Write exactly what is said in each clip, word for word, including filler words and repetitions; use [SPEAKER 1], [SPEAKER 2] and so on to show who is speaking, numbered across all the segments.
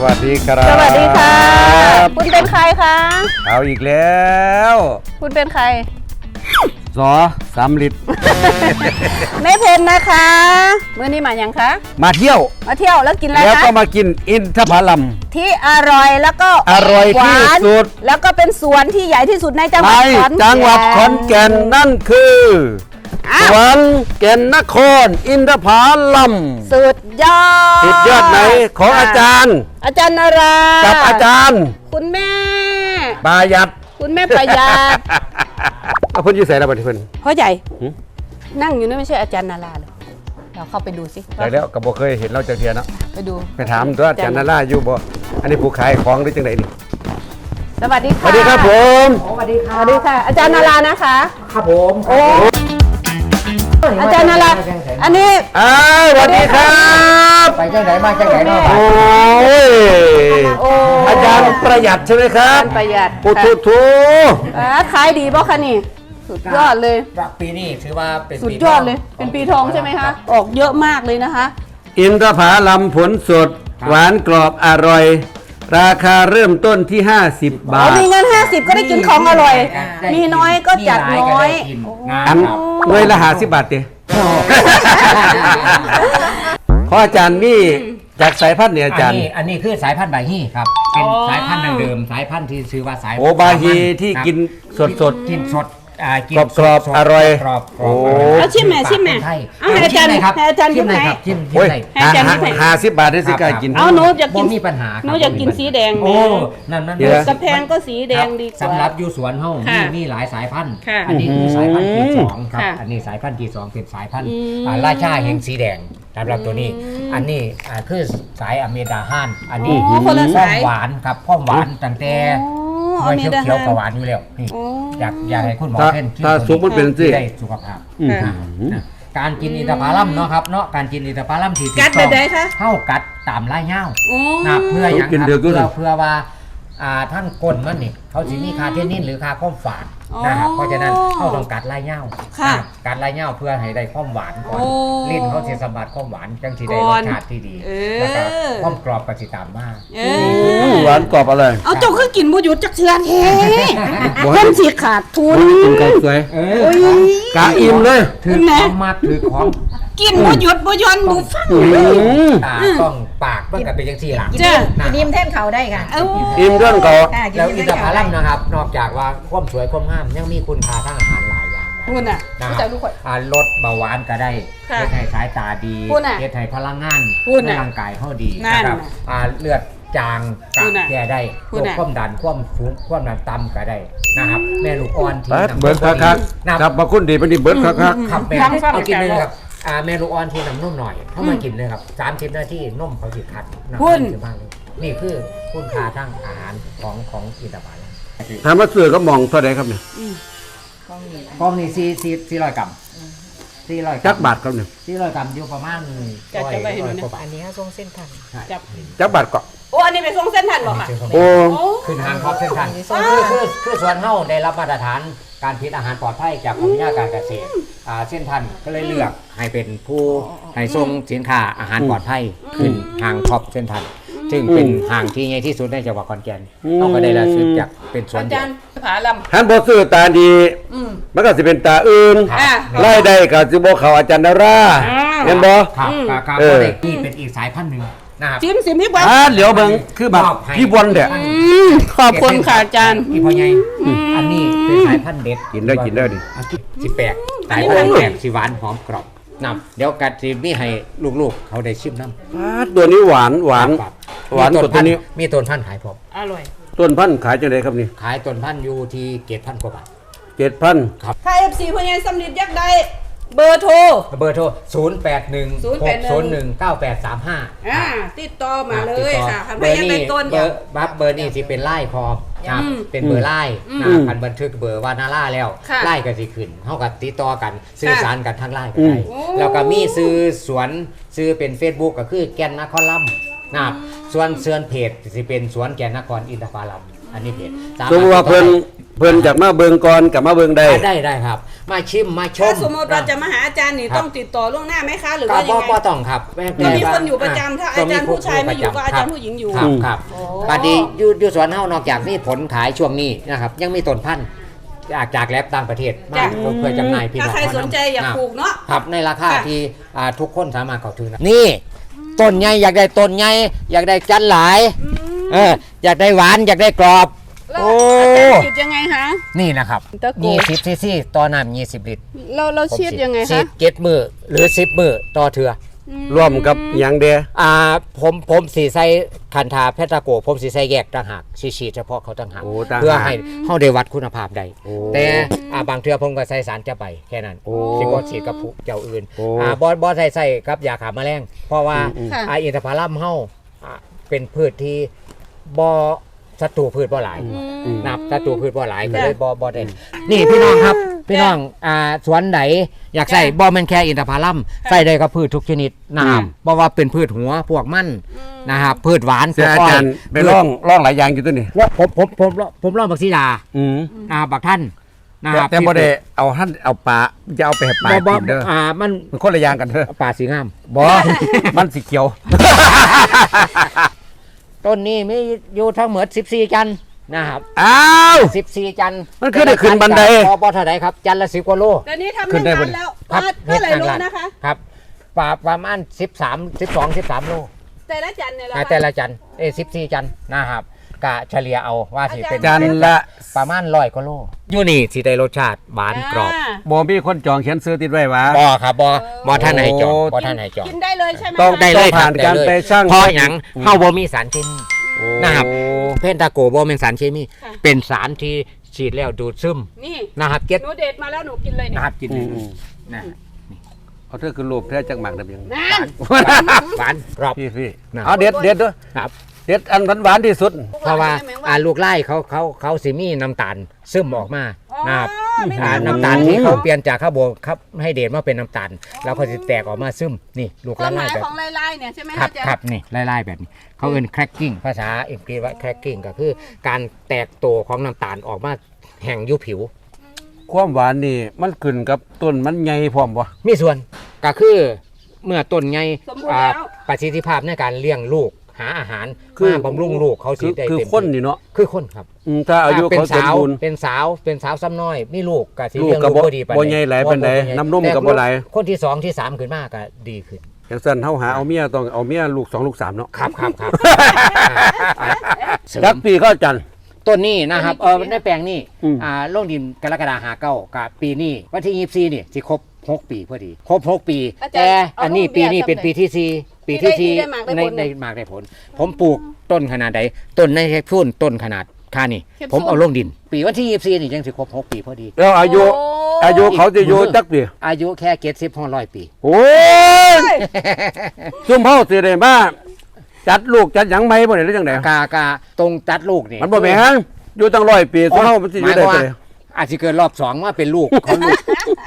[SPEAKER 1] วัสดีครับ
[SPEAKER 2] สวัสดีค่ะคุณเป็นใครคะ
[SPEAKER 1] เอาอีกแล้ว
[SPEAKER 2] คุณเป็นใคร
[SPEAKER 1] สอสามลิตร
[SPEAKER 2] แม่เพนนะคะเมื่อนี้มาอย่างคะ
[SPEAKER 1] มาเที่ยว
[SPEAKER 2] มาเที่ยวแล้วกินอะไร
[SPEAKER 1] แล้วก็
[SPEAKER 2] คะ
[SPEAKER 1] มากินอินทผลัม
[SPEAKER 2] ที่อร่อยแล้วก็
[SPEAKER 1] อร่อยที่
[SPEAKER 2] หวาน
[SPEAKER 1] สุด
[SPEAKER 2] แล้วก็เป็นสวนที่ใหญ่ที่สุดในจังห
[SPEAKER 1] ใน
[SPEAKER 2] วัดขอนแก่น
[SPEAKER 1] จังหวัดขอนแก่นนั่นคือ
[SPEAKER 2] อ้า
[SPEAKER 1] ส
[SPEAKER 2] ว
[SPEAKER 1] วนแก่นนคร อินทผลัม
[SPEAKER 2] สุดยอด
[SPEAKER 1] สุดยอดไหนของอาจารย์
[SPEAKER 2] อาจารย์นารา
[SPEAKER 1] กับอาจารย์
[SPEAKER 2] คุณแม่
[SPEAKER 1] ปายัด
[SPEAKER 2] คุณแม่ประหยัด
[SPEAKER 1] เอาเพิ่นอยู่ใส่ระเบิดเพิ่น
[SPEAKER 2] พ่อใหญ่
[SPEAKER 1] หืม
[SPEAKER 2] นั่งอยู่นั่นไม่ใช่อาจารย์นาราเหรอเราเข้าไปดูสิ
[SPEAKER 1] ได้แล้วก็บ่เคยเห็นเราจักเทียเนาะ
[SPEAKER 2] ไปดู
[SPEAKER 1] ไปถามตัวอาจารย์นาราอยู่บ่อันนี้ผู้ขายของหรือจังไดนี่
[SPEAKER 2] สวัสดี
[SPEAKER 1] ส
[SPEAKER 2] ค่ะ
[SPEAKER 1] วัสดีครับผม
[SPEAKER 3] สวัสดีค
[SPEAKER 2] ส
[SPEAKER 3] รับ
[SPEAKER 2] วัสดีค่ะ อาจารย์นารานะคะ
[SPEAKER 3] ครับผม
[SPEAKER 2] โอ้อาจารย์นาราอันนี้
[SPEAKER 1] อ้าวสวัสดีครับ
[SPEAKER 3] ไปจังไหนมาจังไหนเนาะ
[SPEAKER 1] โอ้ย
[SPEAKER 2] โอ้
[SPEAKER 1] อาจารย์ประหยัดใช่ไหมครับ
[SPEAKER 2] อาจารย์ประหยัด
[SPEAKER 1] โอ้โถโถ
[SPEAKER 2] อ่าขายดีป่ะคะนี่ สุดยอดเลย
[SPEAKER 3] ปีนี้ถือว่าเป็น
[SPEAKER 2] สุดยอดเลย เป็นปีทองใช่ไหมคะ ออกเยอะมากเลยนะคะ
[SPEAKER 1] อินทผลัมผลสด หวานกรอบอร่อย ราคาเริ่มต้นที่ ห้าสิบบา
[SPEAKER 2] อ๋อ
[SPEAKER 1] ท
[SPEAKER 2] มีเงินห้าสิบก็ได้กินของอร่อย มีน้อยก็จัดน้อย
[SPEAKER 1] อันหน่วยละห้าสิบบาทเดียขออาจารย์นี่จากสายพันธุ์เนี่ยอาจารย์
[SPEAKER 3] อันนี้อันนี้คือสายพันธุ์บาฮีครับ เป็นสายพันธุ์ดั้งเดิม สายพันธุ์ที่ชื่อว่าสาย
[SPEAKER 1] โอบาฮีที่กินสดสด
[SPEAKER 3] กินสดอ่ากิน
[SPEAKER 1] กรอบๆ
[SPEAKER 3] สดๆ
[SPEAKER 1] อร่อย
[SPEAKER 3] กรอบๆ
[SPEAKER 1] โอ้
[SPEAKER 2] เอาชิมแม่ชิมแม่
[SPEAKER 3] ใช่
[SPEAKER 2] เอาให้อาจารย์
[SPEAKER 3] ชิมหน่ครับ
[SPEAKER 2] ให้อาจารย์
[SPEAKER 3] ชิมหน่อย
[SPEAKER 2] ยกให้
[SPEAKER 3] ครับชิม
[SPEAKER 1] โอ้ย
[SPEAKER 3] ชิมหน่อย
[SPEAKER 2] ให้อาจารย์ให้
[SPEAKER 1] ห้าสิบบาทได้สิกล้ากิน
[SPEAKER 2] เอาหนูอยากกิน
[SPEAKER 3] บ่มีปัญหา
[SPEAKER 2] หนูอยากกินสีแดง
[SPEAKER 3] โอ้
[SPEAKER 2] แม่
[SPEAKER 3] นั่นนั่น
[SPEAKER 1] เดี๋ยวนะ
[SPEAKER 2] กระแพงก็สีแดงดีกว่า
[SPEAKER 3] สำหรับอยู่สวนเฮา
[SPEAKER 2] ค่ะ
[SPEAKER 3] มีมีหลายสายพันธุ์
[SPEAKER 2] ค่ะ
[SPEAKER 3] อันนี้คือสายพันธุ์ที่สองครับ
[SPEAKER 2] ค่ะ
[SPEAKER 3] อันนี้สายพันธุ์ที่สองเป็นสายพันธุ์
[SPEAKER 2] อืม
[SPEAKER 3] อ่าราชาแห่งสีแดงสำหรับตัวนี้ อันนี้อ่าคือสายอเมดาฮันอันนี้
[SPEAKER 2] อ๋อคนละ
[SPEAKER 3] ควา
[SPEAKER 2] สาม ย
[SPEAKER 3] หวานครับความหวานตั้งแต่
[SPEAKER 2] อ๋อ
[SPEAKER 3] ด้วย
[SPEAKER 2] อเมดาฮัน
[SPEAKER 3] เขียวๆกับหวานอยู่แล้วนี่
[SPEAKER 2] อ๋อ
[SPEAKER 3] อยากอยากให้คุณหมอ
[SPEAKER 1] ถ้า
[SPEAKER 3] เพ่น
[SPEAKER 1] ถ้าสุกมันเป็นสิ
[SPEAKER 3] ได้สุขภาพ
[SPEAKER 1] อืม
[SPEAKER 2] ค่ะ
[SPEAKER 3] นะการกินอินทผลัมเนาะครับเนาะการกินอินทผลัมที่ถู
[SPEAKER 2] กัดแบบใดคะ
[SPEAKER 3] เข้ากัดตามลายเหย้า
[SPEAKER 2] โอ้
[SPEAKER 3] นะเพื่ออย่าง
[SPEAKER 1] กิน
[SPEAKER 3] ครับ
[SPEAKER 1] เดือกอยู่
[SPEAKER 3] เพื่
[SPEAKER 1] เล
[SPEAKER 3] อย เพื่อว่าอ่าทั้งก้นมันนี่เขาสิมีคาเทนนินหรือคาข้อมฝาด
[SPEAKER 2] อ๋อ
[SPEAKER 3] นะครับเพราะฉะนั้นเขาต้องกัดลายเหย้า
[SPEAKER 2] ค่ะ
[SPEAKER 3] นะกัดลายเหย้าเพื่อให้ได้ความหวานก่อน
[SPEAKER 2] โอ้
[SPEAKER 3] ลิ้นเขาสิสัมผัสความหวานจังสิได้
[SPEAKER 2] ก่
[SPEAKER 3] ร
[SPEAKER 2] อ
[SPEAKER 3] ส
[SPEAKER 2] น
[SPEAKER 3] ชาติที่ดี
[SPEAKER 2] เออ
[SPEAKER 3] แล้วก็ความกรอบก็สิตามมา
[SPEAKER 2] เอ
[SPEAKER 1] อื
[SPEAKER 2] อ
[SPEAKER 1] มหวานกรอบอะไร
[SPEAKER 2] เอาเจ้าคือกินบุหยุดจักเชือแท้
[SPEAKER 1] บ่
[SPEAKER 2] เพิ่นสิขาดทุน
[SPEAKER 1] กินไก่สวย
[SPEAKER 3] เอ
[SPEAKER 2] โอ้
[SPEAKER 3] อย
[SPEAKER 1] กะอิ่มเลย
[SPEAKER 3] ถือของมัดถือของ
[SPEAKER 2] กินบุหยุดบุยอนบุฟัง
[SPEAKER 1] อืม
[SPEAKER 3] ตาต้องปากมันก็เป็นจังซี่ล่ะ
[SPEAKER 2] จ้ะ
[SPEAKER 3] นะ
[SPEAKER 4] กินอิ่มแท่นเขาได้ค่ะ
[SPEAKER 2] เอ้า
[SPEAKER 1] อิ่มเรื่องก่อน
[SPEAKER 4] ค่ะกิน
[SPEAKER 3] แล้ว
[SPEAKER 4] อิ่ม
[SPEAKER 3] อินท
[SPEAKER 4] แท่น
[SPEAKER 3] ผ
[SPEAKER 4] เขา
[SPEAKER 3] ลั
[SPEAKER 4] ได้
[SPEAKER 3] มนะครับ นอกจากว่าความสวยความงามยังมีคุณค่าทางอาหารหลายอย่างนะ
[SPEAKER 2] คุณน่ะ
[SPEAKER 3] นะค
[SPEAKER 2] เจ้า
[SPEAKER 3] รับ
[SPEAKER 2] ทุกคน
[SPEAKER 3] อ่าลดเบาหวานก็ได้
[SPEAKER 2] ค่ะ
[SPEAKER 3] เฮ็ดให้สายตาดี
[SPEAKER 2] คุณน่ะ
[SPEAKER 3] เฮ็ดให้พลังงาน
[SPEAKER 2] คุณ
[SPEAKER 3] ใน
[SPEAKER 2] น่ะ
[SPEAKER 3] ร่างกายเฮาดี
[SPEAKER 2] นั่น
[SPEAKER 3] นะครับ
[SPEAKER 2] น่ะ
[SPEAKER 3] อ่าเลือดจาง
[SPEAKER 2] คุ
[SPEAKER 3] กั
[SPEAKER 2] ณน่ะ
[SPEAKER 3] แก้ได้
[SPEAKER 2] คุ
[SPEAKER 3] โร
[SPEAKER 2] ณ
[SPEAKER 3] ค
[SPEAKER 2] น่ะ
[SPEAKER 3] ความดันความสูงความดันต่ำก็ได้นะครับ แม่ลูกอ่อนที่
[SPEAKER 1] ปัด
[SPEAKER 3] น้ำ
[SPEAKER 1] เบิร์ดคักคัก
[SPEAKER 3] นะ
[SPEAKER 1] ๆครับมาคุณดีปฏิเบิร์ดคักคัก
[SPEAKER 3] ครับแม่
[SPEAKER 2] ฟังฟัง
[SPEAKER 3] เอากินเลย
[SPEAKER 2] อาจารย์
[SPEAKER 3] นะครับอ่าแม่ลูกอ่อนที่น้ำนุ่มหน่อยเข้ามากินเลยครับสามสิบนาทีนมเขาสิคัดน้ำ
[SPEAKER 2] คุณ
[SPEAKER 3] สิบห้าเลยนี่คือคุณค่าทางอาหารของของอินทผลัม
[SPEAKER 1] ถามว่าเสือก็มองเท่าไหร่ครับเนี่ย
[SPEAKER 3] กล้องนี่สี่สี่สี่ร้อยกรัมสี่ร้อย
[SPEAKER 1] จักบาทครับเนี่ย
[SPEAKER 3] สี่ร้อยกรัมอยู่ประมาณ
[SPEAKER 2] จัด
[SPEAKER 3] ร้อย
[SPEAKER 2] จะไปให้ดูนะ
[SPEAKER 3] ร้อยกว่าบาท
[SPEAKER 4] อันนี้เขาทรงเส้นทัน
[SPEAKER 2] จับ
[SPEAKER 1] จักบาทก็
[SPEAKER 2] โอ้อันนี้เป็นทรงเส้นทันเหรอคะ
[SPEAKER 1] โอ้
[SPEAKER 2] โอ้
[SPEAKER 3] ขึ้นทางท็อปเส้นทางคือคือคือส่วนเฮ้าได้รับมาตรฐานการผลิตอาหารปลอดภัยจากกรมวิทยาการเกษตรอ่าเส้นทันก็เลยเลือกให้เป็นผู้ให้ส่งสินค้าอาหารปลอดภัยขึ้นทางท็อปเส้นทันซึ่งเป็นห่างที่ใหญ่ที่สุดในจังหวัดขอนแก่นเขาก็ได้รับซื้อจากเป็นสวน
[SPEAKER 2] อา
[SPEAKER 3] เดี
[SPEAKER 2] จาย ร
[SPEAKER 3] ว
[SPEAKER 2] ย์ผาล
[SPEAKER 1] ท่านบอซื้อตาดี
[SPEAKER 2] อืม
[SPEAKER 1] มันก็สิเป็นตาอื่น
[SPEAKER 3] ครับ
[SPEAKER 2] อ่ะ
[SPEAKER 1] ไล่ได้ก็สิบ่เขาอาจารย์ดารา
[SPEAKER 2] อ่า
[SPEAKER 1] เห็นบ่
[SPEAKER 3] ครับครับครับ
[SPEAKER 1] เออ
[SPEAKER 3] นี่เป็นอีกสายพันธุ์หนึ่งนะครับ
[SPEAKER 2] จิ้มสิพี่บอล
[SPEAKER 1] อ่าเหลียวเบิ่งคือแบบพี่บอลเด้อ
[SPEAKER 2] อืมขอบคุณค่ะอาจารย์
[SPEAKER 3] พี่พ่อใหญ่อันนี้เป็นสายพันธุ์เด็ด
[SPEAKER 1] กินได้กินได้ดิ
[SPEAKER 3] อ่ะสิแปลกสายพันธุ์แปลกสิหวานหอมกรอบนำเดี๋ยวกัดสิมีให้ลูกๆ เขาได้ชิมน้ำ
[SPEAKER 1] อ่าตัวนี้หวานหวาน
[SPEAKER 3] ครับ
[SPEAKER 1] หวาน
[SPEAKER 3] มี
[SPEAKER 1] กว่าตัวนี้
[SPEAKER 3] มีต้นพันธุ์ขายพร้อม
[SPEAKER 2] อร่อย
[SPEAKER 1] ต้นพันธุ์ขายจังไดครับนี่
[SPEAKER 3] ขายต้นพันธุ์อยู่ที่เกตพันกว่าบาท
[SPEAKER 1] เจ็ดพัน
[SPEAKER 2] ถ้า เอฟ ซี พญายสำลิดยักษ์ใดเบอร์โทร
[SPEAKER 3] เบอร์โทร ศูนย์ แปด หนึ่ง
[SPEAKER 2] ศูนย์
[SPEAKER 3] ห
[SPEAKER 2] แป
[SPEAKER 3] ก
[SPEAKER 2] ดหนึ่ง
[SPEAKER 3] ศูนย์หนึ่ง เก้าแปดสามห้า
[SPEAKER 2] อ่าติดต่อมาเลยค่ะคัน
[SPEAKER 3] เบ
[SPEAKER 2] พ
[SPEAKER 3] อร์
[SPEAKER 2] ญาย
[SPEAKER 3] นี้
[SPEAKER 2] เป็นต้น
[SPEAKER 3] เบอร์บัฟเบอร์นี้สิเป็นไล่คอมครับ
[SPEAKER 2] อืม
[SPEAKER 3] เป็นเบอร์ไล่
[SPEAKER 2] อืม
[SPEAKER 3] นะคันบันทึกเบอร์วานาล่าแล้ว
[SPEAKER 2] ค่ะ
[SPEAKER 3] ไล่กันสิขึ้นเท่ากับติดต่อกันสื่อสารกันทางไล่ก็
[SPEAKER 1] อืม
[SPEAKER 3] ได้
[SPEAKER 2] โอ้
[SPEAKER 3] แล้วก็มีซื้อสวนซื้อเป็น Facebook ก็คือแกนนครลัมนะครับส่วนเสือนเพจสิเป็นสวนแกนนครอินทผลัมอันนี้เพจ
[SPEAKER 1] สมมติว่าเพิ่นเพิ่นจากมาเบิงก่อนกับมาเบิงได้
[SPEAKER 3] ได้ได้ครับ มาชิมมาชม
[SPEAKER 2] ถ้าสมมติเราจะมาหาอาจารย์นี่ต้องติดต่อล่วงหน้าไหมคะหรือ
[SPEAKER 3] ก็
[SPEAKER 2] ว่ายั
[SPEAKER 3] บ่
[SPEAKER 2] งไง
[SPEAKER 3] บ่ต้องครับ
[SPEAKER 2] ก็มีคนอยู่ประจำถ้าอาจารย์ผู้ชายไม่อยู่ก็อาจารย์ผู้หญิงอยู่
[SPEAKER 3] ครับครับปาดีอยู่อยู่สวนเฮานอกจากมีผลขายช่วงนี้นะครับยังมีต้นพันธุ์จากจากแลบต่างประเทศมาเพื่อจำหน่ายพี่น้อง
[SPEAKER 2] ถ้าใครสนใจอยากปลูกเนาะ
[SPEAKER 3] ครับในราคาที่อ่าทุกคนสามารถเข้าถึงได้นี่ต้นใหญ่อยากได้ต้นใหญ่อยากได้จันหลายเอออยากได้หวานอยากได้กรอบ
[SPEAKER 2] แล้ว
[SPEAKER 3] โอ้
[SPEAKER 2] อาจารย์ฉีดยังไงคะ
[SPEAKER 3] นี่นะครับ
[SPEAKER 2] ตะโก
[SPEAKER 3] ยี่สิบซีซีต่อน้ำยี่สิบลิตร
[SPEAKER 2] เราเราฉีดยังไง
[SPEAKER 3] ฉี
[SPEAKER 2] คะ
[SPEAKER 3] ดเก็ดมือหรือสิบมือต่อเถื่อ
[SPEAKER 1] ร่วมกับหยังเดีย
[SPEAKER 3] อ่าผมผมสีใส่คันธาแพทาโกผมสีใส่แยกต่างหากสีฉีดเฉพาะเขาต่างหาก
[SPEAKER 1] โอ้ต่างหาก
[SPEAKER 3] เพื่อให้เฮาได้วัดคุณภาพได้
[SPEAKER 1] โอ้
[SPEAKER 3] แต่อ่าบางเทื่อผมก็ใส่สารจะไปแค่นั้น
[SPEAKER 1] โอ้
[SPEAKER 3] สิบ่ฉีดกับผู้เจ้าอื่น
[SPEAKER 1] โอ้
[SPEAKER 3] อ่าบ่บ่ใส่ใส่กับยาฆ่าแมลงเพราะว่า
[SPEAKER 1] อืม
[SPEAKER 2] ค่ะ
[SPEAKER 3] อ่าอินทผลัมเฮาอ่าเป็นพืชที่บ่ศัตรูพืชบ่หลาย
[SPEAKER 1] อืม
[SPEAKER 3] นับศัตรูพืชบ่หลายก็
[SPEAKER 2] จ้ะ
[SPEAKER 3] เลยบ่บ่ได้นี่พี่น้องครับพี่น้องอ่าสวนไหนอยากใส่
[SPEAKER 2] จ้ะ
[SPEAKER 3] บ่แม่นแค่อินทผลัมใส่ได้กับพืชทุกชนิดนะครับ
[SPEAKER 1] อืม
[SPEAKER 3] บ่ว่าเป็นพืชหัวพวกมันนะครับพืชหวาน
[SPEAKER 1] เสียอาจารย์ไป
[SPEAKER 3] พืช
[SPEAKER 1] ร่องร่องหลายอย่างอยู่ตัวนี้
[SPEAKER 3] ว่าผมผมผมผมลองบักซีดา
[SPEAKER 1] อืม
[SPEAKER 3] นะครับบักท่านนะครับ
[SPEAKER 1] แต่บ่ได้เอาท่านเอาปลาจะเอาไปให้ปลา
[SPEAKER 3] บ่บ่
[SPEAKER 1] กินเด้อ
[SPEAKER 3] อ่ามัน
[SPEAKER 1] มันคนละอย่างกันเด้อ
[SPEAKER 3] ป่าสีงาม
[SPEAKER 1] บ่ มันสีเขียว
[SPEAKER 3] ต้นนี้มีอยู่ทั้งหมดสิบสี่จันทร์นะครับ
[SPEAKER 1] อ้าว
[SPEAKER 3] สิบสี่จันทร์
[SPEAKER 1] มันคือได้ขึ้นบันได
[SPEAKER 3] พอบ่เท่าไหร่ครับจันทร์ละสิบกว่าโล
[SPEAKER 2] แต่นี้ทำ
[SPEAKER 1] ขึ้
[SPEAKER 2] ไม่
[SPEAKER 1] นได้
[SPEAKER 2] นาน
[SPEAKER 1] บ่
[SPEAKER 2] แล้ว
[SPEAKER 3] ครับ
[SPEAKER 2] เท่าไหร่รู้นะคะ
[SPEAKER 3] ครับป่าประมาณสิบสามสิบสองสิบสามโล
[SPEAKER 2] แต่ละจันเนี่ยเรา
[SPEAKER 3] อ่าแต่ละจันทร์เอ้สิบสี่จันทร์นะครับกะเฉลี่ยเอาว่าสิเป็น
[SPEAKER 1] จันทร์ละ
[SPEAKER 3] ประมาณร้อยกว่าโลอยู่นี่สิได้รสชาติหวานกรอบ
[SPEAKER 1] บ่มีคนจองเขียนซื้อติดไว้หวะ
[SPEAKER 3] บ่ครับบ่บ่ท่านไหนจอง
[SPEAKER 1] โอ้
[SPEAKER 3] บ่ท่านไหนจอง
[SPEAKER 2] กินได้เลยใช่ไหม
[SPEAKER 1] ต้อง
[SPEAKER 2] คะ
[SPEAKER 3] ได้เลยค
[SPEAKER 1] ผ่า
[SPEAKER 3] รับ
[SPEAKER 1] นการ
[SPEAKER 3] ด้เลย
[SPEAKER 1] ไปชั่ง
[SPEAKER 3] เพราะหยังเฮาบ่มีสารเคมี
[SPEAKER 1] โอ้
[SPEAKER 3] นะครับ เพนตาโกบ่เป็นสารเคมีเป็นสารที่ฉีดแล้วดูดซึม
[SPEAKER 2] นี่
[SPEAKER 3] นะครับเก็ต
[SPEAKER 2] หนูเด็ดมาแล้วหนูกินเลยเนี่ย
[SPEAKER 3] นะครับกิน
[SPEAKER 1] อืมอืม
[SPEAKER 3] นะ
[SPEAKER 1] เอาเธอคือรูปแท้จังหมักได้ยัง
[SPEAKER 2] นั่น
[SPEAKER 3] หวานกรอบ
[SPEAKER 1] พี่พี่
[SPEAKER 3] นะ
[SPEAKER 1] เอาเด็ดเด็ดด้วย
[SPEAKER 3] ครับ
[SPEAKER 1] เด็ดอันหวานๆที่สุด
[SPEAKER 3] เพราะว่าอ่าลูกไล่เขาเขาเขาสิมีน้ำตาลซึมออกมานะครับ
[SPEAKER 2] ไม่
[SPEAKER 3] อ่า
[SPEAKER 2] ได้
[SPEAKER 3] น้ำตาลที่เขาเปลี่ยนจากข้าวโบครับให้เดชมาเป็นน้ำตาล แล้วเขาจะแตกออกมาซึมนี่ลูก
[SPEAKER 2] ความห
[SPEAKER 3] ไล่
[SPEAKER 2] มาย
[SPEAKER 3] แบบ
[SPEAKER 2] ของลายๆเนี่ยใช่ไหม
[SPEAKER 3] ครั
[SPEAKER 2] คะ
[SPEAKER 3] บ
[SPEAKER 2] อาจารย์
[SPEAKER 3] ครับนี่ไล่ๆแบบนี้เขาเอิ้น cracking ภาษาอังกฤษว่า cracking ก็คือการแตกตัวของน้ำตาลออกมาแห่งอยุผิว
[SPEAKER 1] ความหวานนี่มันขึ้นกับต้นมันใหญ่พร้อมบ่
[SPEAKER 3] มีส่วนก็คือเมื่อต้นไง
[SPEAKER 2] สมบูรณ์
[SPEAKER 3] อ่า
[SPEAKER 2] แล้ว
[SPEAKER 3] ประสิทธิภาพในการเลี้ยงลูกหาอาหาร
[SPEAKER 1] คือ
[SPEAKER 3] มาบำรุงลูกเขา
[SPEAKER 1] คื
[SPEAKER 3] สิ
[SPEAKER 1] อ
[SPEAKER 3] ได้
[SPEAKER 1] คือ
[SPEAKER 3] เต็ม
[SPEAKER 1] คนนี่เนาะ
[SPEAKER 3] คือคนครับ
[SPEAKER 1] อืมถ้าอายุ
[SPEAKER 3] เป็น
[SPEAKER 1] เขาสม
[SPEAKER 3] สาว
[SPEAKER 1] บูรณ์
[SPEAKER 3] เป็นสาวเป็นสาวซ้ำน้อยมีลูกก็สิ
[SPEAKER 1] ลูก
[SPEAKER 3] เลี้ยง
[SPEAKER 1] ก็
[SPEAKER 3] ลูก
[SPEAKER 1] บ่
[SPEAKER 3] บ่ดีปาน
[SPEAKER 1] บ่ใหญ่หลายปานใด
[SPEAKER 3] บ่ใญ่
[SPEAKER 1] น้ำนม
[SPEAKER 3] แต่
[SPEAKER 1] ก็บ่หลาย
[SPEAKER 3] คนที่สองที่สามขึ้นมาก็ดีขึ้น
[SPEAKER 1] อย่างสั้นเฮาหาเอาเมียต้องเอาเมียลูกสองลูกสามเนาะ
[SPEAKER 3] ครับครับครับ
[SPEAKER 1] จักปีก็จัน
[SPEAKER 3] ต้นนี้นะครับเออในแปลงนี้
[SPEAKER 1] อืม
[SPEAKER 3] อ่าลงดินกรกฎาหาเก้ากับปีนี้วันที่ยี่สิบสี่นี่สิครบหกปีพอดีครบหกปี
[SPEAKER 2] อาจารย์
[SPEAKER 3] แต่อันนี้
[SPEAKER 2] เอารูป
[SPEAKER 3] ปีนี้
[SPEAKER 2] แบบ
[SPEAKER 3] เป็น
[SPEAKER 2] จำเลย
[SPEAKER 3] ปีที่สี่ปีที่
[SPEAKER 2] ที่
[SPEAKER 3] สี่
[SPEAKER 2] ได้หมากได้ผล
[SPEAKER 3] ในหมากได้ผล ผมปลูกต้นขนาดใดต้นในแค่พุ่นต้นขนาดค่านี่
[SPEAKER 2] แค่พุ่น
[SPEAKER 3] ผมเอาลงดิน ปีวันที่ยี่สิบสี่นี่ยังสิครบหกปีพอดี
[SPEAKER 1] แล้วอายุ
[SPEAKER 2] โอ้
[SPEAKER 1] อายุเขาจะอยู่จักปี
[SPEAKER 3] อายุแค่เจ็ดสิบห้าร้อยปี
[SPEAKER 1] โอ้ยซุ่มเฮาสิได้มาจัดลูกจัดหยังไหมบ่ได้หรือจังได๋
[SPEAKER 3] กากาตรงจัดลูกนี่
[SPEAKER 1] มันบ่แม่นอยู่ตั้งร้อยปีซุ่มเฮามันสิอ
[SPEAKER 3] หมา
[SPEAKER 1] ยู่
[SPEAKER 3] ยค
[SPEAKER 1] ได้
[SPEAKER 3] วามว่า
[SPEAKER 1] จังได๋
[SPEAKER 3] อาจจะเกิดรอบสองว่าเป็นลูกของลูก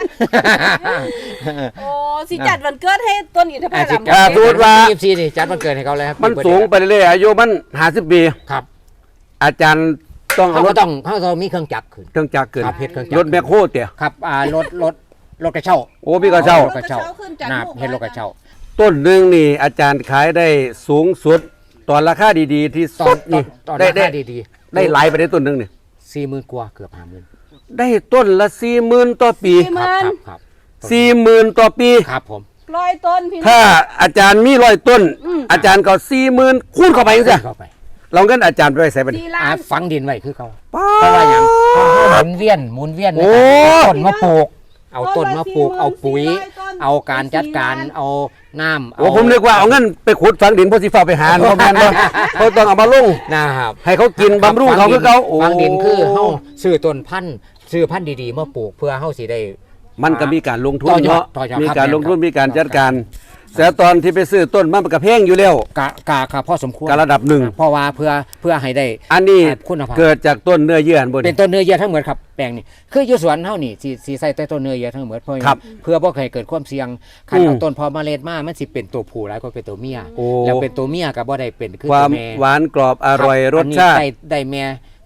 [SPEAKER 2] โอ้สิจัดวันเกิดให้ต้นอินทผ
[SPEAKER 3] อาจจะ
[SPEAKER 2] ลัม
[SPEAKER 3] เกิด
[SPEAKER 1] สมมุติว่า
[SPEAKER 3] ยี่สิบสี่นี่จัดวันเกิดให้เขาเลยครับ
[SPEAKER 1] มันสูงไปเรื่อยๆอายุมันห้าสิบปี
[SPEAKER 3] ครับ
[SPEAKER 1] อาจารย์ต้องเอา
[SPEAKER 3] เขา
[SPEAKER 1] ร
[SPEAKER 3] ก็
[SPEAKER 1] ถ
[SPEAKER 3] ต้องเขาต้องมีเครื่องจักรขึ้น
[SPEAKER 1] เครื่องจักรขึ้น
[SPEAKER 3] ครับเฮ็ดเครื่องจักร
[SPEAKER 1] รถแมคโครเตี่ย
[SPEAKER 3] ครับอ่ารถรถรถกระเช้า
[SPEAKER 1] โอ้พี่ก็เช่า
[SPEAKER 3] รถกระเช้า
[SPEAKER 2] ขึ้นจาก
[SPEAKER 3] นะครับ
[SPEAKER 2] ลูก
[SPEAKER 3] เฮ็ดรถกระเช้า
[SPEAKER 1] ต้นหนึงนี่อาจารย์ขายได้สูงสุดตอนราคาดีๆ ที่
[SPEAKER 3] ตอ
[SPEAKER 1] สุ
[SPEAKER 3] น
[SPEAKER 1] ดนี่
[SPEAKER 3] ตอน
[SPEAKER 1] ได้
[SPEAKER 3] รา
[SPEAKER 1] ได้
[SPEAKER 3] คาดี
[SPEAKER 1] ได้หลายไปได้ต้นหนึงนี่
[SPEAKER 3] ๆสี่หมื่นกว่าเกือบห้าหมื่น
[SPEAKER 1] ได้ต้นละสี่หมื่นต่อปี
[SPEAKER 2] สี่ห
[SPEAKER 3] ครับ
[SPEAKER 2] มื่น
[SPEAKER 3] ครับครับ
[SPEAKER 1] สี่หมื่นต่อปี
[SPEAKER 3] ครับผม
[SPEAKER 2] ร้อยต้นพี่น้
[SPEAKER 1] ถ้า
[SPEAKER 2] อง
[SPEAKER 1] อาจารย์มีร้อยต้น
[SPEAKER 2] อืม
[SPEAKER 1] อาจารย์ก็สี่หมื่นคูณเข้าไปจังซี่
[SPEAKER 3] เข้าไป
[SPEAKER 1] เราเงินอาจารย์ไปใส่ไปดิ
[SPEAKER 2] สี่ล้า
[SPEAKER 3] อ่าน ฝังดินไว้คือเขา
[SPEAKER 1] ป้า
[SPEAKER 3] เพราะว่าอย่างเขาหมุนเวียนหมุนเวียนใน
[SPEAKER 1] โอ้
[SPEAKER 3] การต้นมาปลูก เอาต้นมาปลูก
[SPEAKER 2] ต้นละ
[SPEAKER 3] เอาปุ๋ย
[SPEAKER 2] สี่ร้อยต้น
[SPEAKER 3] เอาการจัดการ
[SPEAKER 2] สี่ล้าน
[SPEAKER 3] เอาน้ำ
[SPEAKER 1] โอ้ผมนึกว่าเอาเงินไปขุดฝังดินเพราะสิฟ้าไปหาเขาแม่นบ่เขาต้องเอามาลง
[SPEAKER 3] นะครับ
[SPEAKER 1] ให้เขากินบำรุงเขาคือเขาโอ้
[SPEAKER 3] ฝังดินคือเฮาซื้อต้นพันธุ์ซื้อพันธุ์ดีๆมาปลูกเพื่อเฮาสิได้
[SPEAKER 1] มันก็มีการลงทุน
[SPEAKER 3] ต่อยอด
[SPEAKER 1] เนาะ
[SPEAKER 3] ต่อยอด
[SPEAKER 1] มี
[SPEAKER 3] ครับ
[SPEAKER 1] การลงทุน
[SPEAKER 3] ครับ
[SPEAKER 1] มีการจัดการแต่ตอนที่ไปซื้อต้นมันก็แพงอยู่แล้ว
[SPEAKER 3] กะกะกะพอสมควร
[SPEAKER 1] การระดับหนึ่ง
[SPEAKER 3] เพราะว่าเพื่อเพื่อให้ได้
[SPEAKER 1] อันนี้
[SPEAKER 3] คุณภาพ
[SPEAKER 1] เกิดจากต้นเนื้อเยื่ออันบน
[SPEAKER 3] เป็นต้นเนื้อเยื่อทั้งหมดครับแปลงนี้คืออยู่สวนเฮานี่สิสิใส่แต่ต้นเนื้อเยื่อทั้งหมดเพื่อ
[SPEAKER 1] ครับ
[SPEAKER 3] เพื่อบ่ให้เกิดความเสี่ยงคัน
[SPEAKER 1] อืม
[SPEAKER 3] เอาต้นพอเมล็ดมามันสิเป็นตัวผู้หลายกว่าเป็นตัวเมีย
[SPEAKER 1] โอ้
[SPEAKER 3] แล้วเป็นตัวเมียก็บ่ได้เป็นคือ
[SPEAKER 1] ควา
[SPEAKER 3] ตั
[SPEAKER 1] ม
[SPEAKER 3] วแม่
[SPEAKER 1] หวานกรอบอร่อย
[SPEAKER 3] คบ
[SPEAKER 1] รสชาติ
[SPEAKER 3] อันนี้ได้ได้แม่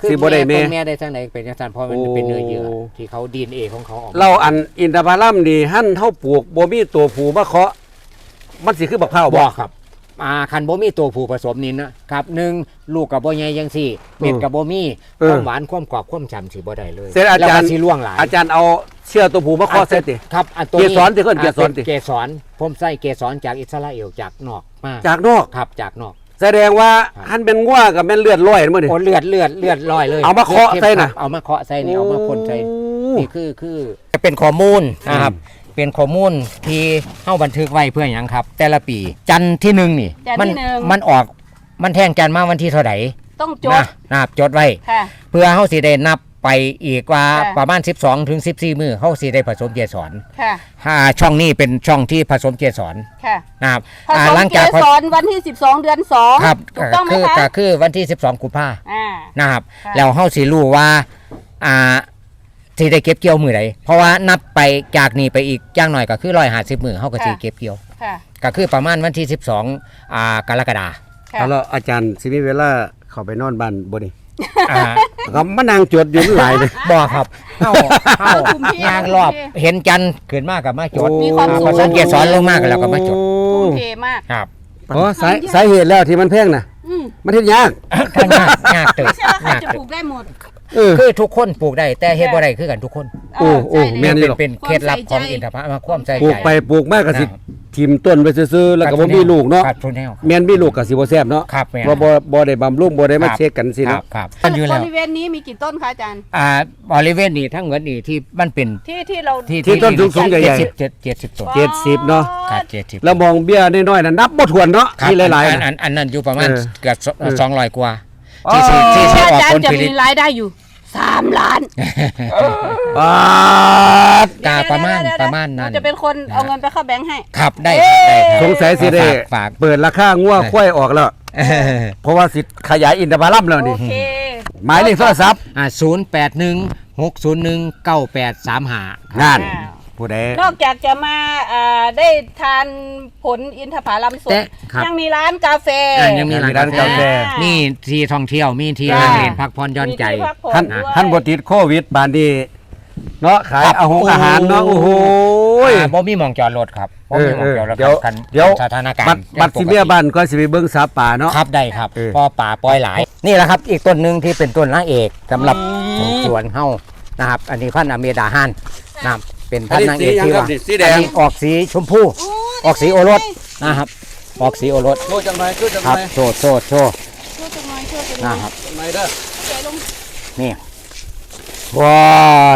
[SPEAKER 3] คือ
[SPEAKER 1] สิบ่ได้แม่
[SPEAKER 3] ต้นแม่ได้จังไดเป็นจังซั่นเพราะมัน
[SPEAKER 1] โอ้
[SPEAKER 3] เป็นเนื้อเยื่อที่เขา ดี เอ็น เอ ของเขาออกมา
[SPEAKER 1] เราอันอินทผลัมนี่หั่นเท่าปลูกบ่มีตัวผูมาเคาะมันสิคือบักพร้าว
[SPEAKER 3] บ่
[SPEAKER 1] บ่
[SPEAKER 3] ครับอ่าคันบ่มีตัวผู้ผสมนี่นะครับหนึ่งลูกกับบ่ใหญ่จังซี่เม็ดกับบ่มี
[SPEAKER 1] เอ
[SPEAKER 3] ค
[SPEAKER 1] อ
[SPEAKER 3] วามหวานความกรอบความฉ่ำสิบ่ได้เลย
[SPEAKER 1] เสร็จอาจารย์
[SPEAKER 3] แล้วก็สิล่วงหลาย
[SPEAKER 1] อาจารย์เอาเชื่อตัวผูมาเคาะใส่ติ
[SPEAKER 3] ครับอันตัว
[SPEAKER 1] เก
[SPEAKER 3] นี้
[SPEAKER 1] สรติเพิ่นเกสรติ
[SPEAKER 3] เกสรผมใส่เกสรจากอิสราเอลจากนอกมา
[SPEAKER 1] จากนอก
[SPEAKER 3] ครับจากนอก
[SPEAKER 1] แสดงว่า
[SPEAKER 3] ครับ
[SPEAKER 1] หั่นเป็นงัวกับแม่นเลือดลอยมื้อนี่
[SPEAKER 3] โอ้เลือดเลือดเลือดลอยเลย
[SPEAKER 1] เอามาเคาะใส่น่ะ
[SPEAKER 3] ครับเอามาเคาะใส่นี่เอามาพ่นใส่
[SPEAKER 1] โอ้
[SPEAKER 3] นี่คือคือจะเป็นข้อมูลนะครับ เป็นข้อมูลที่เฮาบันทึกไว้เพื่อหยังครับ แต่ละปีจันทร์ที่หนึ่งนี่
[SPEAKER 2] จันทร์
[SPEAKER 3] มั
[SPEAKER 2] ที่หนึ่ง
[SPEAKER 3] มันออกมันแทงจันทร์มาวันที่เท่าไหร่
[SPEAKER 2] ต้องจ
[SPEAKER 3] นะ
[SPEAKER 2] ด
[SPEAKER 3] นะครับจดไว้
[SPEAKER 2] ค่ะ
[SPEAKER 3] เพื่อเฮาสิได้นับไปอีกว่า
[SPEAKER 2] ค่ะ
[SPEAKER 3] ประมาณสิบสองถึงสิบสี่มื้อเฮาสิได้ผสมเกสร
[SPEAKER 2] ค่ะ
[SPEAKER 3] ถ้าช่องนี้เป็นช่องที่ผสมเกสร
[SPEAKER 2] ค่ะ
[SPEAKER 3] นะครับ
[SPEAKER 2] ผ
[SPEAKER 3] อ่า
[SPEAKER 2] สม
[SPEAKER 3] หลัง
[SPEAKER 2] เก
[SPEAKER 3] จาก
[SPEAKER 2] สรวันที่สิบสองเดือนสอง
[SPEAKER 3] ครับ
[SPEAKER 2] ถูกต้องไหม
[SPEAKER 3] คือ
[SPEAKER 2] คะ
[SPEAKER 3] ก็คือวันที่สิบสองกุมภา
[SPEAKER 2] อ่า
[SPEAKER 3] นะครับ
[SPEAKER 2] ค่ะ
[SPEAKER 3] แล้วเฮาสิรู้ว่าอ่าสิได้เก็บเกี่ยวมื้อใดเพราะว่านับไปจากนี้ไปอีกอย่างน้อยก็คือหนึ่งร้อยห้าสิบมื้อเฮาก็สิเก็บเกี่ยว
[SPEAKER 2] ค่ะ
[SPEAKER 3] ก็คือประมาณวันที่สิบสองอ่ากรกฎาคม
[SPEAKER 2] ค่ะ
[SPEAKER 1] เอาแล้วอาจารย์สิมีเวลาเข้าไปนอนบ้านบ่นี่
[SPEAKER 3] อ่า
[SPEAKER 1] ก็มานั่งจดอยู่มันหลายเลย
[SPEAKER 3] บ่ครับเฮาเฮา
[SPEAKER 2] คุมที่
[SPEAKER 3] ยางรอบเห็นจันทร์ขึ้นมากับมาจด
[SPEAKER 2] มีความสุข
[SPEAKER 3] ผสมเกสรลงมาก็แล้วก็มาจด
[SPEAKER 2] ทุ่มเทมาก
[SPEAKER 3] ครับ
[SPEAKER 1] อ๋อสาสาเหตุแล้วที่มันแพงน่ะ
[SPEAKER 2] อืม
[SPEAKER 1] มันเฮ็ดยาก
[SPEAKER 3] ก็ยากยากเติบ
[SPEAKER 2] ไม่ใช่ว่าใคร
[SPEAKER 3] ยาก
[SPEAKER 2] จะ
[SPEAKER 3] เติ
[SPEAKER 2] ปลู
[SPEAKER 3] บ
[SPEAKER 2] กได้หมด
[SPEAKER 1] เออ
[SPEAKER 3] คือทุกคนปลูกได้แต่เฮ็ดบ่ได้คือกันทุกคน
[SPEAKER 1] โอ้โอ้
[SPEAKER 2] ใช่
[SPEAKER 1] แม่น
[SPEAKER 2] เลย
[SPEAKER 1] นี่หรอก
[SPEAKER 3] เป็นเคล็ดลับของอินทผลัมมาความใส่
[SPEAKER 1] ปลู
[SPEAKER 3] ใจ
[SPEAKER 1] กไปปลูกมากก็สิ
[SPEAKER 3] นะครับ
[SPEAKER 1] ทิ่มต้นไปซื่อๆแล้วก็บ่มีลูกเนาะ
[SPEAKER 3] ครับทุนแนว
[SPEAKER 1] แม่นมีลูกก็สิบ่แซ่บเนาะ
[SPEAKER 3] ครับแม่น
[SPEAKER 1] บ่บ่บ่ได้บำรุงบ่ได้มา
[SPEAKER 3] ครับ
[SPEAKER 1] เช็คกันสิ
[SPEAKER 3] ครั
[SPEAKER 1] เนาะ
[SPEAKER 3] บครับมันอยู่
[SPEAKER 2] บ
[SPEAKER 3] แล้ว
[SPEAKER 2] ริเวณนี้มีกี่ต้นคะอาจารย์
[SPEAKER 3] อ่าบริเวณนี้ทั้งหมดนี่ที่มันเป็น
[SPEAKER 2] ที่ที่เรา
[SPEAKER 3] ที่
[SPEAKER 1] ที่ต้นสูงๆใหญ่ๆ
[SPEAKER 3] เจ็ดสิบเจ็ดเจ็ดสิบต้น
[SPEAKER 1] เจ็ดสิบเนาะ
[SPEAKER 3] ครับเจ็ดสิบ
[SPEAKER 1] แล้วมองเบี้ยน้อยๆน่ะนับบ่ถ้วนเนาะ
[SPEAKER 3] ครับ
[SPEAKER 1] ที่หลาย
[SPEAKER 3] อัน
[SPEAKER 1] ๆ
[SPEAKER 3] อั
[SPEAKER 1] น่ะ
[SPEAKER 3] นอันนั้นอยู่ประมาณ
[SPEAKER 1] เออ
[SPEAKER 3] เกือบ
[SPEAKER 1] เออ
[SPEAKER 3] สองร้อยกว่า
[SPEAKER 1] อ๋อ
[SPEAKER 3] ที่ที่ที่ที่ออก
[SPEAKER 2] อาจาร
[SPEAKER 3] ผล
[SPEAKER 2] ย์จะ
[SPEAKER 3] ผลิ
[SPEAKER 2] มี
[SPEAKER 3] ต
[SPEAKER 2] รายได้อยู่สามล้าน
[SPEAKER 1] บาท
[SPEAKER 3] กาประมาณ
[SPEAKER 2] เดี๋ยวๆๆๆ
[SPEAKER 3] ประมาณนั้น
[SPEAKER 2] เจะเป็นคนเอาเงินไปเข้าแบงค์ให้
[SPEAKER 3] ครับได้ครับได้ครับ
[SPEAKER 1] สงสัยสิได้
[SPEAKER 3] ฝากฝาก
[SPEAKER 1] เปิดราคางัวควายออกแล้ว
[SPEAKER 3] เออ
[SPEAKER 1] เพราะว่าสิขยายอินทผลัมแล้ว
[SPEAKER 2] โอ
[SPEAKER 1] นี่
[SPEAKER 2] เค
[SPEAKER 1] หมายเลขโทรศัพท์
[SPEAKER 3] อ่าศูนย์แปดหนึ่งหกศูนย์หนึ่งเก้าแปดสามห้าง
[SPEAKER 1] าน
[SPEAKER 2] อ้าว
[SPEAKER 1] ผู้ใด
[SPEAKER 2] นอกจากจะมาอ่าได้ทานผลอินทผลัมสด
[SPEAKER 3] แต่ครับ
[SPEAKER 2] ยังมีร้านกาแฟ
[SPEAKER 3] อ่ายังมี
[SPEAKER 1] มีร้านกาแฟ
[SPEAKER 3] มีที่ท่องเที่ยวมีที่
[SPEAKER 2] จ้า
[SPEAKER 3] นั่งเล่นพักผ่อนหย่อนใจ
[SPEAKER 2] มีที่พักผ่อ
[SPEAKER 1] ท่าน
[SPEAKER 2] ด้วย
[SPEAKER 1] ท่านบ่ติดโควิดบานนี้เนาะขาย
[SPEAKER 3] ครับ
[SPEAKER 1] อาหงอาหารเนาะ
[SPEAKER 3] โอ้
[SPEAKER 1] โอ้
[SPEAKER 3] โห
[SPEAKER 1] โห
[SPEAKER 3] อ่าบ่มีหมองจอดรถครับบ่มีหมองจอดรถ
[SPEAKER 1] เดี๋ยว
[SPEAKER 3] ครับ
[SPEAKER 1] เดี๋ยว
[SPEAKER 3] สถานการ
[SPEAKER 1] บัต
[SPEAKER 3] ณ์
[SPEAKER 1] รบัตรสิเมียบ้านก็สิไปเบิ่งสาป่าเนาะ
[SPEAKER 3] ครับได้ครับ
[SPEAKER 1] เออ
[SPEAKER 3] พอป่าปล่อยหลาย นี่แหละครับอีกต้นหนึ่งที่เป็นต้นนางเอกสำหรับสวนเฮานะครับ อันนี้พันธุ์อเมดาฮันนะครับเป็นพันธุ์นางเอกที่ว่า
[SPEAKER 1] สีแด
[SPEAKER 3] อัน
[SPEAKER 1] ง
[SPEAKER 3] นี้ออกสีชมพูออกสีโอรสนะครับ ออกสีโอรส
[SPEAKER 1] โชว์จังหน่อยโชว์จัง
[SPEAKER 3] ค
[SPEAKER 1] ห
[SPEAKER 3] รับ
[SPEAKER 1] น่อย
[SPEAKER 3] โชว์โชว์โชว์
[SPEAKER 2] ช่วยจังหน่อยช่วยจังหน่อย
[SPEAKER 3] นะครับ
[SPEAKER 1] จังหน่อยเด้อ
[SPEAKER 2] ใจลง
[SPEAKER 3] นี่ว้าน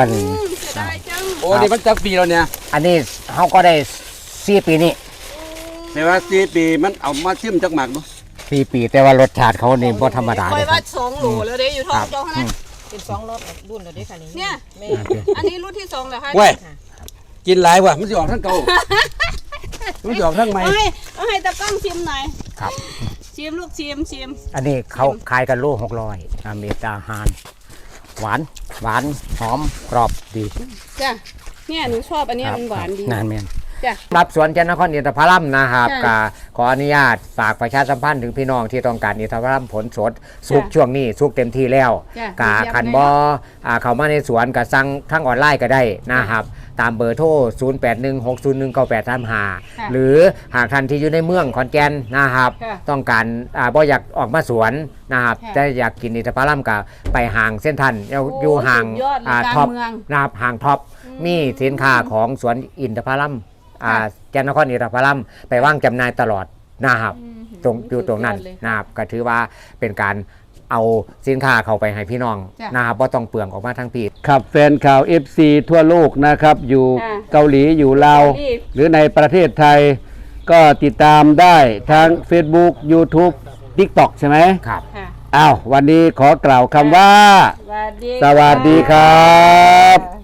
[SPEAKER 2] อืมเสียดายจัง
[SPEAKER 1] โอ้นี่มันจักปีแล้วเนี่ย
[SPEAKER 3] อันนี้เฮาก็ได้สี่ปีนี้
[SPEAKER 1] แต่ว่าสี่ปีมันเอามาชิมจักหมากบ่
[SPEAKER 3] สี่ปีแต่ว่ารสชาติเขานี่บ่ธรรมดา
[SPEAKER 2] ค
[SPEAKER 3] เล
[SPEAKER 2] อย
[SPEAKER 3] ยค
[SPEAKER 2] ว่า
[SPEAKER 3] รับ
[SPEAKER 2] สองโหลแล้วเด้อยู่ท้องเจ้าขนาด
[SPEAKER 4] เป็นสองรอบรุ่นแล้วเด้ค่ะนี่
[SPEAKER 2] เนี่ย
[SPEAKER 4] แม่
[SPEAKER 2] อันนี้รุ่นที่สองเหรอคะ
[SPEAKER 1] เว้ยกินหลายว่ะมันสิออกทั้งเก่ามันสิออกทั้งใหม่
[SPEAKER 2] เอาให้เอาให้ตะกล้องชิมหน่อย
[SPEAKER 3] ครับ
[SPEAKER 2] ชิมลูกชิมชิม
[SPEAKER 3] อันนี้เขาขายกันโลหกร้อยอเมตาฮานหวานหวานหอมกรอบดี
[SPEAKER 2] จ้ะเนี่ยหนูชอบอันเนี้ย
[SPEAKER 3] ครับ
[SPEAKER 2] มันหวานดี
[SPEAKER 3] นานแม่น
[SPEAKER 2] จ้ะ
[SPEAKER 3] รับสวนจันทนครอินทผลัมนะครับ
[SPEAKER 2] ค่ะ
[SPEAKER 3] ก็ขออนุญาตฝากประชาสัมพันธ์ถึงพี่น้องที่ต้องการอินทผลัมผลสดสุก
[SPEAKER 2] จ้ะ
[SPEAKER 3] ช่วงนี้สุกเต็มที่แล้ว
[SPEAKER 2] จ้ะ
[SPEAKER 3] กา
[SPEAKER 2] เยี่ยม
[SPEAKER 3] คัน
[SPEAKER 2] เลย
[SPEAKER 3] บอ
[SPEAKER 2] เนาะ
[SPEAKER 3] อ่าเข้ามาในสวนก็สั่งทั้งออนไลน์ก็ได้นะครับ ตามเบอร์โทร ศูนย์ แปด หนึ่ง หก ศูนย์ หนึ่ง เก้า แปด สาม ห้า
[SPEAKER 2] ค่ะ
[SPEAKER 3] หรือหากท่านที่อยู่ในเมืองขอนแก่นนะครับ
[SPEAKER 2] ค่ะ
[SPEAKER 3] ต้องการอ่าบ่อยากออกมาสวนนะครับ
[SPEAKER 2] ค่ะ
[SPEAKER 3] แต่อยากกินอินทผลัมก็ไปห่างเส้นทันอยู่
[SPEAKER 2] โอ้
[SPEAKER 3] อยู่ห่าง
[SPEAKER 2] สุดยอดเลย
[SPEAKER 3] อ่าก
[SPEAKER 2] ลาง
[SPEAKER 3] ท็อป
[SPEAKER 2] เมือง
[SPEAKER 3] นะครับห่างท็อปมีสินค้าของสวนอินทผลัมอ่า
[SPEAKER 2] ค่ะ
[SPEAKER 3] จันทนครอินทผลัมไปว่างจำหน่ายตลอดนะครับ
[SPEAKER 2] อืม
[SPEAKER 3] ตรงอยู่ตรงนั้น
[SPEAKER 2] สุดยอดเลย
[SPEAKER 3] นะครับก็ถือว่าเป็นการเอาสินค้าเข้าไปให้พี่น้อง
[SPEAKER 2] จ้ะ
[SPEAKER 3] นะครับว่าต้องเปลืองออกมาทั้งปี
[SPEAKER 1] ครับแฟนข่าว เอฟ ซี ทั่วโลกนะครับ อยู่
[SPEAKER 2] ค่ะ
[SPEAKER 1] เกาหลีอยู่ลาว
[SPEAKER 2] เกาหลี
[SPEAKER 1] หรือในประเทศไทย ก็ติดตามได้ทั้ง Facebook YouTube TikTok ใช่ไหม
[SPEAKER 3] ครับ
[SPEAKER 2] ค่ะ
[SPEAKER 1] อ้าว วันนี้ขอกล่าวคำว่า
[SPEAKER 2] สวัสดี
[SPEAKER 1] สวัสดีครับ